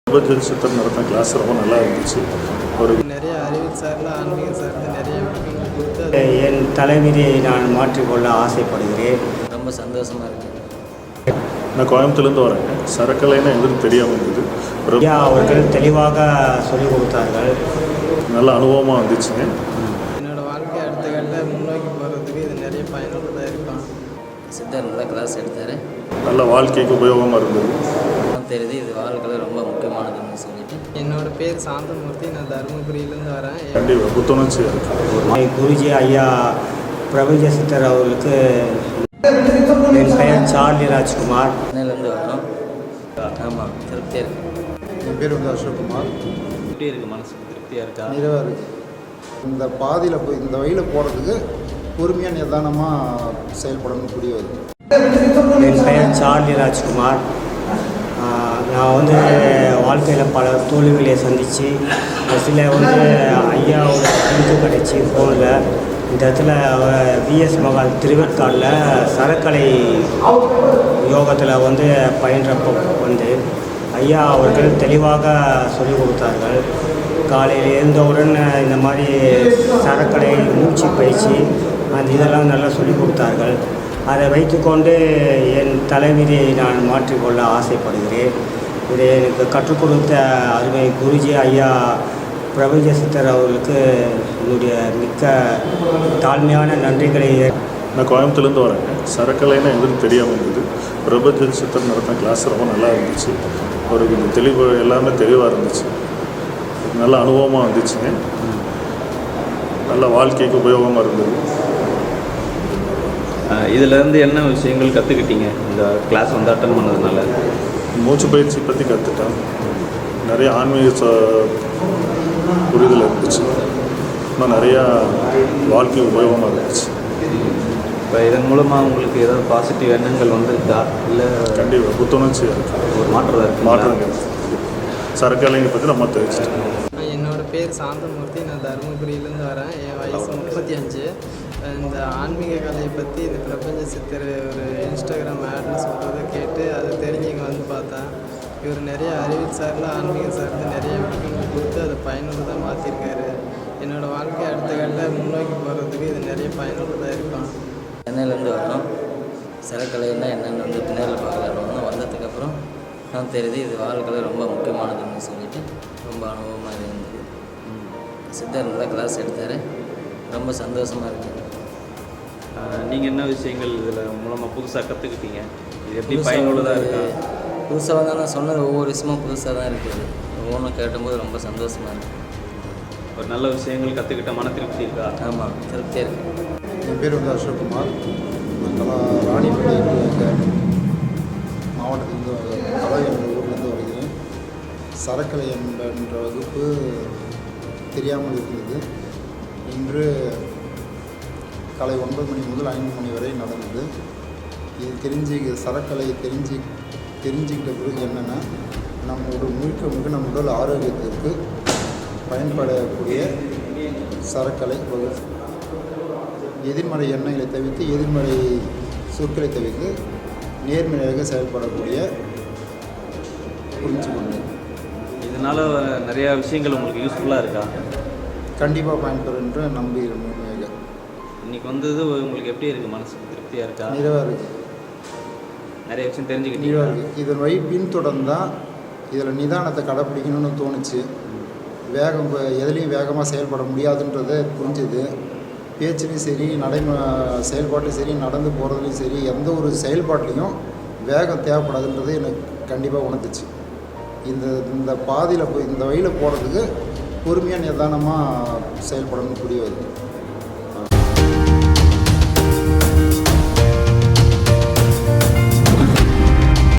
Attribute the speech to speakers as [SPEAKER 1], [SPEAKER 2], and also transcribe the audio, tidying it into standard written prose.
[SPEAKER 1] பிரபஞ்ச சித்தர் நடத்தின கிளாஸ் ரொம்ப நல்லா இருந்துச்சு. ஒரு
[SPEAKER 2] நிறைய அறிவியல் சார்ந்த ஆன்மீக சார்ந்த நிறைய விஷயங்கள் கொடுத்து
[SPEAKER 3] என் தலைவிதியை நான் மாற்றிக்கொள்ள ஆசைப்படுகிறேன்.
[SPEAKER 4] ரொம்ப சந்தோஷமாக இருக்குது.
[SPEAKER 1] நான் கோயம்புத்தூர்லேருந்து வரேங்க. சரக்கலைன்னா எங்களுக்கு தெரியாமல் இருந்தது.
[SPEAKER 3] ஐயா அவர்கள் தெளிவாக சொல்லிக் கொடுத்தார்கள்.
[SPEAKER 1] நல்ல அனுபவமாக இருந்துச்சுங்க.
[SPEAKER 2] என்னோடய வாழ்க்கை அடுத்த கட்ட முன்னோக்கி போகிறதுக்கு இது நிறைய பயனுள்ளதாக இருக்கும்.
[SPEAKER 4] சித்தர் நல்லா கிளாஸ் எடுத்தார்.
[SPEAKER 1] நல்ல வாழ்க்கைக்கு உபயோகமாக இருந்தது.
[SPEAKER 4] தெரியுது இது வாழ்க்கையில் ரொம்ப முக்கியமானதுன்னு சொல்லிட்டு.
[SPEAKER 2] என்னோடய பேர் சாந்தமூர்த்தி. நான் தருமபுரியிலேருந்து வரேன்.
[SPEAKER 1] கண்டிப்பாக புத்துணர்ச்சியாக இருக்குது.
[SPEAKER 3] குருஜி ஐயா பிரபஞ்ச சித்தர் அவர்களுக்கு என் பெயர் சார்லி ராஜ்குமார்.
[SPEAKER 4] சென்னையிலேருந்து வரோம். ஆமாம், திருப்தியாக இருக்குது.
[SPEAKER 5] என் பேர் அசோக்குமார்.
[SPEAKER 4] எப்படி இருக்குது? மனசு திருப்தியாக இருக்கா?
[SPEAKER 5] நிறைவாக இருக்குது. இந்த பாதியில் போய் இந்த வழியில் போகிறதுக்கு பொறுமையாக நிதானமாக செயல்படணும் புரிய வருது.
[SPEAKER 3] என் பெயர் சார்லி ராஜ்குமார். நான் வாழ்க்கையில் பல தோல்விகளை சந்தித்து சில ஐயாவோட பிரிஞ்சு கிடச்சி ஃபோனில் இந்த இடத்துல விஎஸ் மகால் திருவேற்காடில் சரக்கலை யோகத்தில் பயின்றப்போ ஐயா அவர்கள் தெளிவாக சொல்லிக் கொடுத்தார்கள். காலையில் எழுந்தவுடன் இந்த மாதிரி சரக்கலை மூச்சு பயிற்சி இதெல்லாம் நல்லா சொல்லிக் கொடுத்தார்கள். அதை வைத்துக்கொண்டு என் தலைவிதியை நான் மாற்றிக்கொள்ள ஆசைப்படுகிறேன். இதை எனக்கு கற்றுக் கொடுத்த அருமை குருஜி ஐயா பிரபஞ்ச சித்தர் அவர்களுக்கு என்னுடைய மிக்க தாழ்மையான நன்றிகளை.
[SPEAKER 1] நான் கோயம்புத்தூர்லேருந்து வரேங்க. சரக்கலைன்னா எங்களுக்கு தெரியாமல் இருந்தது. பிரபஞ்ச சித்தர் நடத்தின கிளாஸ் ரொம்ப நல்லா இருந்துச்சு. ஒரு தெளிவு எல்லாமே தெளிவாக இருந்துச்சு. நல்ல அனுபவமாக இருந்துச்சுங்க. நல்ல வாழ்க்கைக்கு உபயோகமாக இருந்தது.
[SPEAKER 6] இதிலேருந்து என்ன விஷயங்கள் கற்றுக்கிட்டீங்க இந்த கிளாஸ் அட்டன் பண்ணதுனால?
[SPEAKER 1] மூச்சு பயிற்சி பற்றி கற்றுட்டேன். நிறைய ஆன்மீக புரிதல் இருந்துச்சு. இன்னும் நிறையா வாழ்க்கை உபயோகமாக இருந்துச்சு.
[SPEAKER 6] இப்போ இதன் மூலமாக உங்களுக்கு ஏதாவது பாசிட்டிவ் எண்ணங்கள் வந்துருக்கா? இல்லை
[SPEAKER 1] கண்டிப்பாக புத்துணர்ச்சியாக இருக்குது.
[SPEAKER 6] ஒரு மாற்றம் இருக்குது.
[SPEAKER 1] மாற்றங்கள் சரக்கலைங்க பற்றி நம்ம தெரிஞ்சுட்டோம்.
[SPEAKER 2] என்னோடய பேர் சாந்தமூர்த்தி. நான் தருமபுரியிலேருந்து வரேன். என் வயசு 35. இந்த ஆன்மீக கலையை பற்றி இந்த பிரபஞ்ச சித்தர் ஒரு இன்ஸ்டாகிராம் ஆடில் சொல்கிறத கேட்டு அதை தெரிஞ்சுங்க பார்த்தேன். இவர் நிறைய அறிவியல் சார்ந்த ஆன்மீக சார்ந்த நிறைய விஷயங்கள் கொடுத்து அதை பயனுள்ளதாக மாற்றிருக்காரு. என்னோடய வாழ்க்கை அடுத்த கட்ட முன்னோக்கி போகிறதுக்கு இது நிறைய பயனுள்ளதாக இருக்கும்.
[SPEAKER 4] சென்னையிலேருந்து வரோம். சரக்கலைன்னா என்னென்னு பின்னேரில் பார்க்கலான்னு வந்ததுக்கப்புறம் நான் தெரியுது இது வாழ்க்கையில் ரொம்ப முக்கியமானதுன்னு சொல்லிட்டு ரொம்ப அனுபவமாக இருந்தது. சித்தர் நல்லா கிளாஸ் எடுத்தார். ரொம்ப சந்தோஷமாக இருக்குது.
[SPEAKER 6] நீங்கள் என்ன விஷயங்கள் இதில் மூலமாக புதுசாக கற்றுக்கிட்டீங்க? இது எப்படி பயனுள்ளதாக இருக்கா?
[SPEAKER 4] புதுசாக நான் சொன்னது ஒவ்வொரு விஷயமும் புதுசாக தான் இருக்குது. ஒவ்வொன்றும் கேட்டும்போது ரொம்ப சந்தோஷமாக இருக்குது.
[SPEAKER 6] ஒரு நல்ல விஷயங்கள் கற்றுக்கிட்ட மன திருப்தி இருக்கா?
[SPEAKER 4] ஆமாம், திருப்தியாக இருக்குது.
[SPEAKER 5] என் பேர் அசோக்குமார். நாங்கள்லாம் ராணிப்பேட்டை மாவட்டத்திலேருந்து கலை என்ற ஊர்லேருந்து வருகிறேன். சரக்கலை என்ற வகுப்பு தெரியாமல் இருந்தது. இன்று காலை 9 மணி முதல் 5 மணி வரை நடந்தது. இது சரக்கலை தெரிஞ்சுக்கிட்ட பிறகு என்னென்னா முழுக்க நம்ம உடல் ஆரோக்கியத்திற்கு பயன்படக்கூடிய சரக்கலை வகுப்பு. எதிர்மறை எண்ணங்களை தவிர்த்து எதிர்மறை சொற்களை தவிர்த்து நேர்மறையாக செயல்படக்கூடிய புரிஞ்சு கொண்டேன்.
[SPEAKER 6] இதனால் நிறையா விஷயங்கள் உங்களுக்கு யூஸ்ஃபுல்லாக இருக்கா?
[SPEAKER 5] கண்டிப்பாக பயன்பெறும் என்று நம்புகிறேன். உண்மையாக
[SPEAKER 6] இன்றைக்கி வந்தது உங்களுக்கு எப்படி இருக்குது? மனசுக்கு திருப்தியாக இருக்கா?
[SPEAKER 5] நிறைவாக இருக்குது.
[SPEAKER 6] நிறைய விஷயம் தெரிஞ்சுக்கிட்டீங்க.
[SPEAKER 5] நிறைவாக இருக்குது. இதன் வழி பின்தொடர்ந்தால் இதில் நிதானத்தை கடைப்பிடிக்கணும்னு தோணுச்சு. எதுலேயும் வேகமாக செயல்பட முடியாதுன்றதை புரிஞ்சுது. பேச்சுலேயும் சரி செயல்பாட்லையும் சரி நடந்து போகிறதுலையும் சரி எந்த ஒரு செயல்பாட்லேயும் வேகம் தேவைப்படாதுன்றது எனக்கு கண்டிப்பாக உணர்த்துச்சு. இந்த பாதியில் போய் இந்த வழியில் போகிறதுக்கு பொறுமையாக நிதானமாக செயல்படணும் புரிய வருது.